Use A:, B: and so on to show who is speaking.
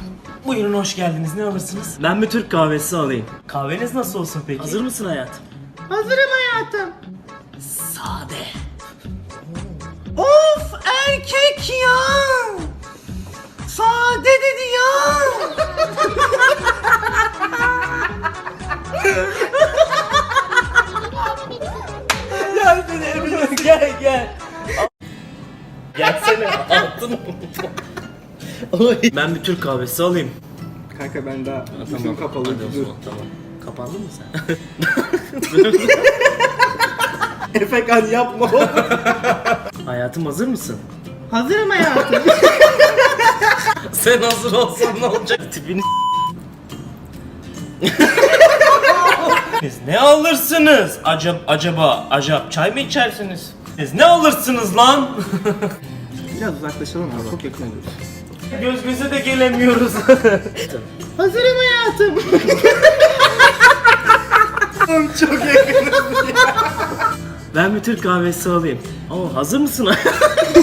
A: Buyurun, hoş geldiniz. Ne alırsınız?
B: Ben bir Türk kahvesi alayım.
A: Kahveniz nasıl olsun peki?
B: Hazır mısın hayatım?
C: Hazırım hayatım.
B: Sade.
A: Of, erkek ya! Sade dedi ya! Gel beni Emre, gel.
B: Gelsene altın. Ben bir Türk kahvesi alayım.
C: Kanka ben daha gözüm kapalı.
B: Hadi o
C: Dur.
B: zaman, tamam. Kapandın mı sen?
C: Efekan yapma oğlum.
B: Hayatım hazır mısın?
C: Hazırım hayatım.
B: Sen hazır olsan ne olacak? Tipini
A: Siz ne alırsınız? Acaba çay mı içersiniz? Siz ne alırsınız lan?
C: Biraz uzaklaşalım ama çok yakın oluyoruz.
A: Göz göze de gelemiyoruz.
C: Hazırım hayatım.
B: Ben bir Türk kahvesi alayım. Oo, hazır mısın?